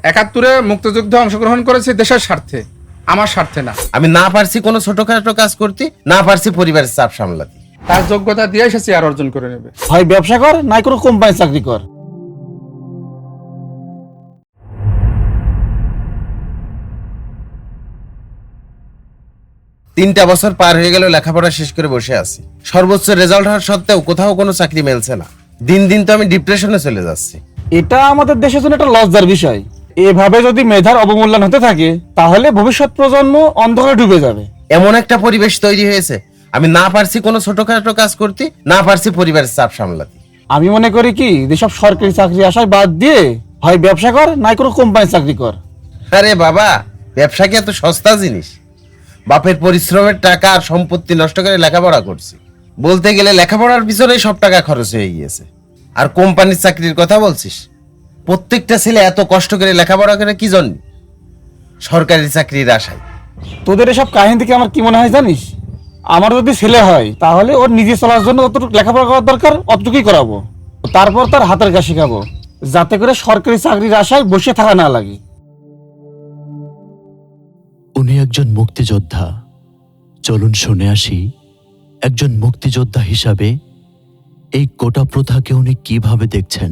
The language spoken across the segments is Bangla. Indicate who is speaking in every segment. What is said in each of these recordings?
Speaker 1: একাত্তরে মুক্তিযুদ্ধে অংশগ্রহণ করেছি দেশের স্বার্থে, আমার স্বার্থে না।
Speaker 2: আমি না পারছি কোনো ছোটখাটো কাজ করতে, না পারছি পরিবারের চাপ সামলাতে।
Speaker 1: তার যোগ্যতা দিয়ে সে চেয়ার অর্জন করে নেবে।
Speaker 3: হয় ব্যবসা কর, নাই কোনো কোম্পানি চাকরি কর।
Speaker 2: তিনটা বছর পার হয়ে গেল, লেখাপড়া শেষ করে বসে আছি। সর্বোচ্চ রেজাল্ট হওয়ার সত্ত্বেও কোথাও কোনো চাকরি মেলছে না। দিন দিন তো আমি ডিপ্রেশনে চলে যাচ্ছি।
Speaker 3: এটা আমাদের দেশের জন্য একটা লজ্জার বিষয়। এভাবে যদি মেধার অবমূল্যায়ন হতে থাকে তাহলে ভবিষ্যৎ প্রজন্ম অন্ধকারে ডুবে যাবে।
Speaker 2: এমন একটা পরিবেশ তৈরি হয়েছে, আমি না পারছি কোনো ছোটখাটো কাজ করতে, না পারছি পরিবারের চাপ সামলাতে।
Speaker 3: আমি মনে করি কি, যেসব সরকারি চাকরি আশায় বাদ দিয়ে হয় ব্যবসা কর, নাই কোনো কোম্পানি চাকরি কর।
Speaker 2: আরে বাবা, ব্যবসা কি এত সস্তা জিনিস? বাপের পরিশ্রমের টাকা আর সম্পত্তি নষ্ট করে লেখাপড়া করছি। বলতে গেলে লেখাপড়ার পিছনেই সব টাকা খরচ হয়ে গিয়েছে। আর কোম্পানির চাকরির কথা বলছিস? প্রত্যেকটা ছেলে এত কষ্ট করে লেখাপড়া করে কি জন্য? সরকারি চাকরির আশায়।
Speaker 3: তোদের এসব কাহিনী থেকে আমার কি মনে হয় জানিস, আমার যদি ছেলে হয় তাহলে ওর নিজে চলার জন্য যতটুকু লেখাপড়া করার দরকার অতটুকুই করাবো, তারপর তার হাতের কাজ শেখাবো, যাতে করে সরকারি চাকরির আশায় বসে থাকা না লাগে।
Speaker 4: উনি একজন মুক্তিযোদ্ধা। চলুন শুনে আসি একজন মুক্তিযোদ্ধা হিসাবে এই কোটা প্রথাকে উনি কিভাবে দেখছেন।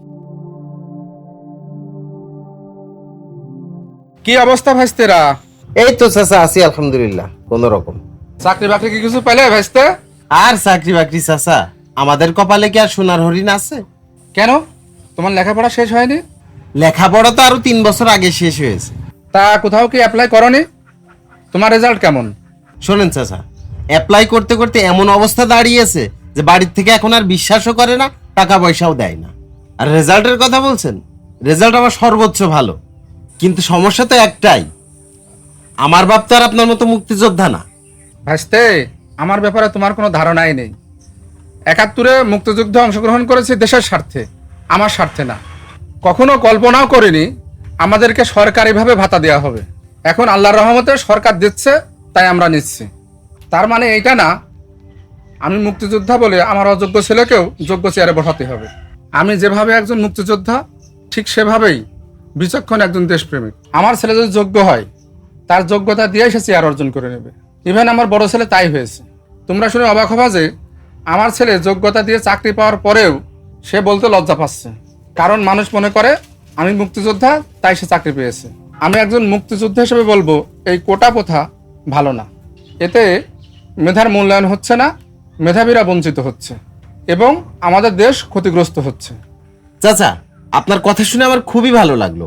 Speaker 1: কি অবস্থা ভাইস্তেরা?
Speaker 2: এই তো চাচা আছি আলহামদুলিল্লাহ, কোন রকম।
Speaker 1: চাকরি বাকরি কি কিছু পেলে ভাইস্তে?
Speaker 2: আর চাকরি বাকরি চাচা, আমাদের কপালে কি আর সোনার হরিণ আছে?
Speaker 1: কেন, তোমার লেখাপড়া শেষ হয়নি?
Speaker 2: লেখাপড়া তো আরো 3 বছর আগে শেষ হয়েছে।
Speaker 1: তা কোথাও কি অ্যাপ্লাই করনি? তোমার রেজাল্ট কেমন?
Speaker 2: শোনেন চাচা, অ্যাপ্লাই করতে করতে এমন অবস্থা দাঁড়িয়েছে যে বাড়ির থেকে এখন আর বিশ্বাসও করে না, টাকা পয়সাও দেয় না। আর রেজাল্টের কথা বলছেন, রেজাল্ট আমার সর্বোচ্চ ভালো, কিন্তু সমস্যা তো একটাই, আমার বাপ তো আর আপনার মতো মুক্তিযোদ্ধা না।
Speaker 1: ভাইস্তে, আমার ব্যাপারে তোমার কোনো ধারণাই নেই। একাত্তরে মুক্তিযুদ্ধে অংশগ্রহণ করেছি দেশের স্বার্থে, আমার স্বার্থে না। কখনো কল্পনাও করিনি আমাদেরকে সরকারিভাবে ভাতা দেওয়া হবে। এখন আল্লাহর রহমতে সরকার দিচ্ছে, তাই আমরা নিচ্ছি। তার মানে এইটা না আমি মুক্তিযোদ্ধা বলে আমার অযোগ্য ছেলেকেও যোগ্য চেয়ারে বসাতে হবে। আমি যেভাবে একজন মুক্তিযোদ্ধা, ঠিক সেভাবেই বিচক্ষণ একজন দেশপ্রেমিক। আমার ছেলে যদি যোগ্য হয়, তার যোগ্যতা দিয়ে সে চেয়ার অর্জন করে নেবে। ইভেন আমার বড় ছেলে তাই হয়েছে। তোমরা শুনে অবাক হবা যে আমার ছেলে যোগ্যতা দিয়ে চাকরি পাওয়ার পরেও সে বলতে লজ্জা পাচ্ছে, কারণ মানুষ মনে করে আমি মুক্তিযোদ্ধা তাই সে চাকরি পেয়েছে। আমি একজন মুক্তিযোদ্ধা হিসেবে বলবো এই কোটা প্রথা ভালো না। এতে মেধার মূল্যায়ন হচ্ছে না, মেধাবীরা বঞ্চিত হচ্ছে এবং আমাদের দেশ ক্ষতিগ্রস্ত হচ্ছে।
Speaker 2: চাচা, আপনার কথা শুনে আমার খুবই ভালো লাগলো।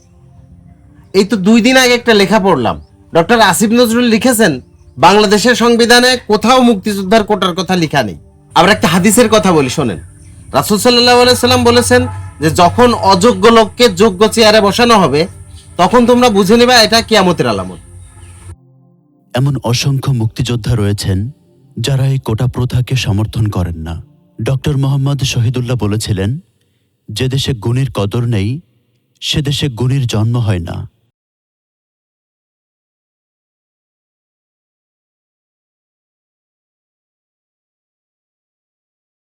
Speaker 2: এই তো 2 দিন আগে একটা লেখা পড়লাম, ডক্টর আসিফ নজরুল লিখেছেন বাংলাদেশের সংবিধানে কোথাও মুক্তিযোদ্ধার কোটার কথা লেখা নেই। আবার একটা হাদিসের কথা বলি, শোনেন। রাসূল সাল্লাল্লাহু আলাইহি সাল্লাম বলেছেন যে যখন অযোগ্য লোককে যোগ্য চেয়ারে বসানো হবে, তখন তোমরা বুঝে নেবে এটা কিয়ামতের আলামত।
Speaker 4: এমন অসংখ্য মুক্তিযোদ্ধা রয়েছেন যারা এই কোটা প্রথাকে সমর্থন করেন না। ডক্টর মোহাম্মদ শহীদুল্লাহ বলেছিলেন, যে দেশে গুণীর কদর নেই সে দেশে গুণীর জন্ম হয় না।